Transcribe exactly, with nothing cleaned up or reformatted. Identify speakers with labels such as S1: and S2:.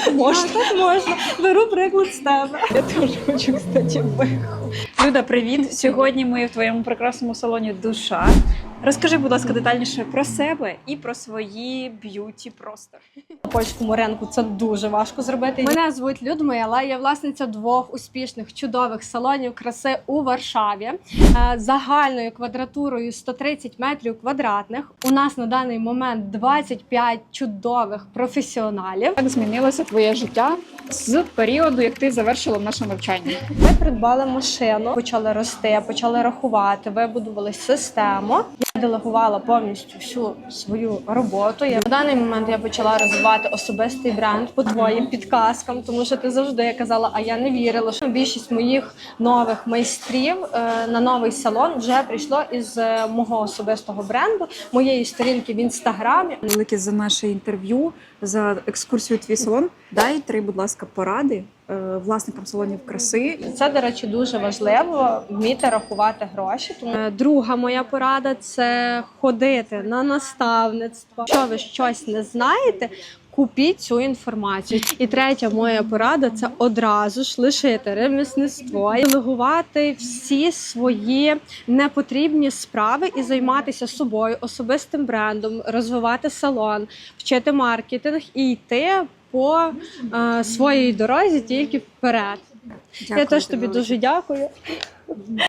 S1: Можна. Так можна. Беру приклад з тебе. Я теж хочу, кстати, беху.
S2: Люда, привіт! Сьогодні ми в твоєму прекрасному салоні «Душа». Розкажи, будь ласка, детальніше про себе і про свої б'юті просто.
S1: На польському ринку це дуже важко зробити. Мене звуть Людмила, я власниця двох успішних, чудових салонів краси у Варшаві. Загальною квадратурою сто тридцять метрів квадратних. У нас на даний момент двадцять п'ять чудових професіоналів.
S2: Як змінилося твоє життя з періоду, як ти завершила наше навчання?
S1: Ми придбали машину, почали рости, почали рахувати, вибудували систему. Я делегувала повністю всю свою роботу. Я, на даний момент я почала розвивати особистий бренд по твоїм підказкам, тому що ти завжди казала, а я не вірила, що більшість моїх нових майстрів е, на новий салон вже прийшло із е, мого особистого бренду, моєї сторінки в інстаграмі.
S2: Велике за наше інтерв'ю, за екскурсію в твій салон. Дай три, будь ласка, поради е, власникам салонів краси.
S1: Це, до речі, дуже важливо вміти рахувати гроші. Тому друга моя порада – це ходити на наставництво. Якщо ви щось не знаєте, купіть цю інформацію. І третя моя порада – це одразу ж лишити ремісництво, делегувати всі свої непотрібні справи і займатися собою, особистим брендом, розвивати салон, вчити маркетинг і йти по е, своїй дорозі тільки вперед.
S2: Дякую,
S1: Я теж тобі
S2: велике.
S1: дуже дякую.